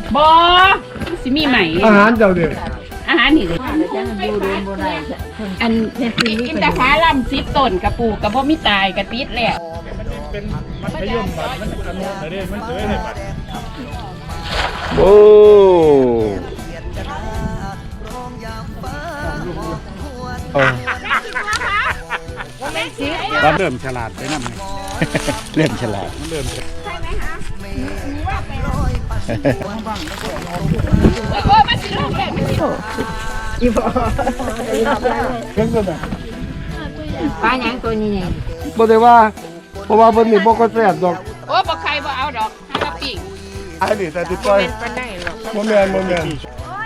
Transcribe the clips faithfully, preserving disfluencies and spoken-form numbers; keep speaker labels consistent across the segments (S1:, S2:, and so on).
S1: บอสิมีใหม่
S2: อาหารเจ้าเด็ก
S1: อาหารนี่เลยอันอินทผลัมซิปต้นกระปูกระบ่มีตายกระติดแหละ
S3: เป็นมัธยมบัตรมันอนุแต่เด็มันเสยเลยบัตร
S2: โอ้
S3: ตอนเริ่มฉลาดไปนั่นไง
S2: เริ่มฉลาด
S3: เริ่ม
S1: ใช่ไหมคะโอ้มาสิลูกแม่อีบ่
S2: เรื่องนั้น
S1: ปลาหยังตัวนี้เนี่ย
S2: บ่ได้ว่าเพราะว่าเพิ่นนี่บ่ก็แซ่บดอก
S1: โอ้บ่ใครบ่เอาดอกให้มาปิ้ง
S2: อันนี้แต่ติดปล่อยบ่แม่นบ่แม่น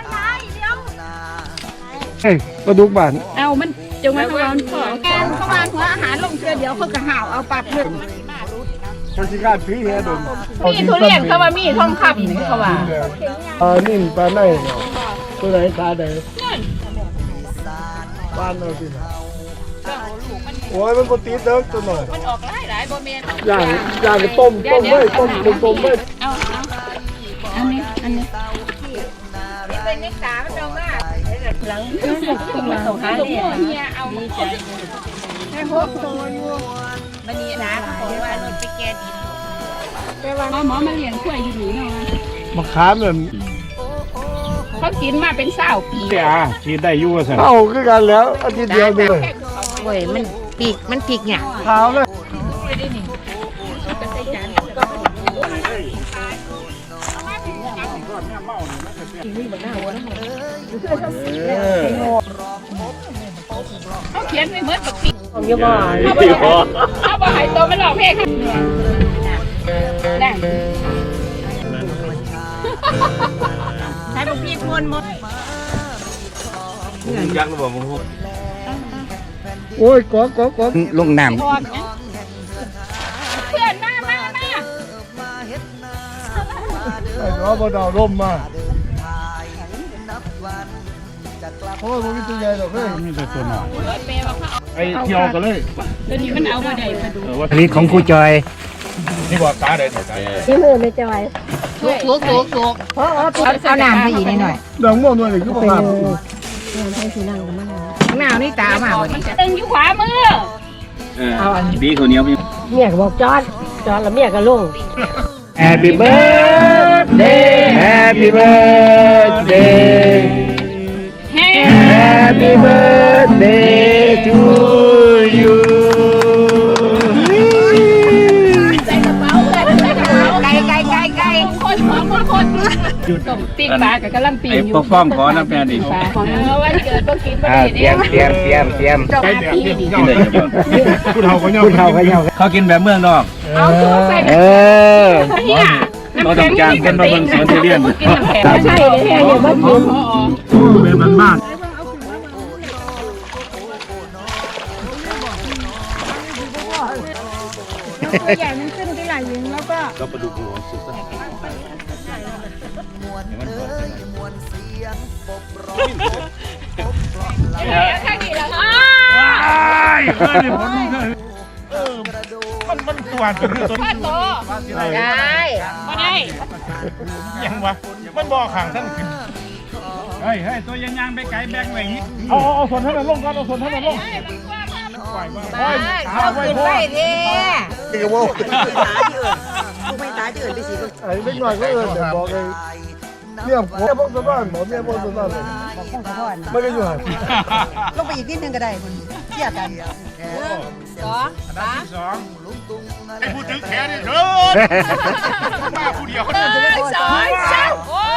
S2: เฮ้ยปลาดุกบ้าน
S1: เอามันจงมาเขาเอาขอแกนเขาวางหัวอาหารลงเชื่อเดี๋ยวเขาก็ห่าวเอาปับเลย
S2: คนสิการถือเฮ็ดด
S1: มีทุเรียนเขาว่ามีทองคำนี่เขาว่า
S2: อ่านี่ปลาไหนตัวไหนปลาใดปลาเอาสิโอ้ยมันบ่ติดเด้อตัวน้อย
S1: มันออกหลายหลายบ่แม่น
S2: ย่างย่างต้มต้มเว้ยต้มต้มต้มเว้ย
S1: เอาเอาอันนี้อันนี้นี่เป็นนิสามันเอามาหลังส่งหาเนี่ยเอาดีใจให้พวกตัวอยู่มันนี่นะเขาบอกว่านี่ไปแก้ดินหมอหมอมาเลี้ยงกล้วยอยู่นี่เนาะ
S2: มะขามนั่น
S1: เขากินมาเป็นเศร้าปี
S3: อ่ะกินได้อยู่ว่าซั่น
S2: เอ้าคือกันแล้วอาทิตย์เดียวเลย
S1: โอ้ยมันปีกมันปีกหยัง
S2: ขาวเลย
S1: เขาเขียนไว้เหมือนกับปีกของยาบ้าเขาบอกให้ตัวมันหลอกเพศค่ะได้ใช้ลูกพี่พวนหมด
S3: ยักษ์บ่มึง
S2: โอ้ยกอกอกอก
S4: ลงน้ำ
S1: เพื่อนมามามา
S2: ไอ้น้องบ่ดาวร่มมาโอ้ยมันมีตัวใหญ่ดอกเฮ้ย
S3: มีแต่ตัวน้อยไอ้เที่ยวกันเลย
S1: ตัวนี้มันเอาบ่ได้มาดู
S4: อันนี้ของครูจอย
S3: นี่ว่าตาได้ตา
S5: ที่มือไม่จอย
S1: ถูกถูกถูกถูก
S5: เพราะเอาเอาน้ำให้อีกนิดหน่อย
S2: ดอกม่วงด้วยนี่คือบ่ครับ
S5: ให้สีนั่งกันมา
S1: หนาวนี่ตามาบ่นี่ตึงอยู่ขวามือ
S4: เอาอันบีข้าวเหนียวพี่
S5: เมียก็บอกจอดจอดแล้วเมียก็ลง
S2: Happy birthday Happy birthday Happy birthday to you
S1: ใส่กระเป๋าเลยใส่กระเป๋าไก่ไก่ไก่ไก่คนของคนคนต้มปิ้งปลากับกะหล่ำปีอยู่
S4: ไอ้ปกป้องขอน้ำแม่ดิ
S1: วันเกิดต้องกินบ่
S4: ได้เตรียมเตรียมเตรียมเตรียม
S1: ใช้แบบนี้
S3: กินได้ยังผู้เฒ่าก็ย่อ
S4: ผู้เฒ่าก็ย่อเขากินแบบเมืองนอก
S1: เอาใส่
S4: เออ
S1: เนี่ย
S4: เราต้องการคนมาเบิ่งสวนทุเรียน
S5: ใช่เลยเนี่ยว่ากิน
S2: เป็นมันมาก
S5: ตัวใหญ่มันขึ้นที่ไหล่ยิงแล้วก็
S3: ก็ประดุกหัวสุดซะ
S1: เฮ้ยข้างนี้แล้วอ้
S3: ายเฮ้ยผมเออมันมันตัวจนตัว
S1: พ่อโตได้บ่ได้
S3: ยังวะมันบ่ข้างท่านขึ้นเฮ้ยเฮ้ยตัวยังยางไปไกลแบงไว้อีกเอาเอาส่วนท่านลงกันเอาส่วนท่านลง
S1: ไปเอาขึ้นไปเท่
S2: เกี่ยวว่าไม่ตายที่อื่นไม่ตายที่อื่นไปสิไอ้ไม่หน่อยก็เออเดี๋ยวบอกเลยเนี่ยผมเนี่ยพวกตัวบ้านหมอเนี่ยพวกตัวบ้านเลยไม่ก็อยู่ห่าง
S5: ลงไปอีกนิดนึงก็ได้คุณเทียบกัน
S1: สองสาม
S3: สองไอ้ผู้ถือแขนนี่เถิดมาผู้เดียว
S1: สองสามโอ้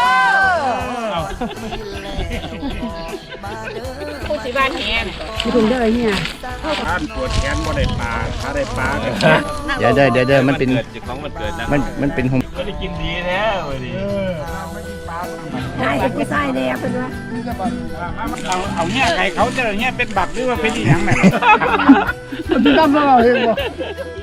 S1: ผู้สิบ้านแหน
S5: ไม่ถึงได้เนี่ย
S3: ท่านปวดแขนบ่ได้ปลาถ้าได้ปลา
S4: เดี๋ยวเดี๋ยวเดี๋ยวเดี๋ยวมันเป็นมันมันเป็นหง
S3: ก็ได้กินดีแท้เลยดิ
S5: ใช่ก็ใช่เลยเป็นว่า
S3: เอาเอาเนี่ยใครเขาจะเนี่ยเป็นบักหรือว่าเป็นอีหยังแม่
S2: มันทำอะไรเองวะ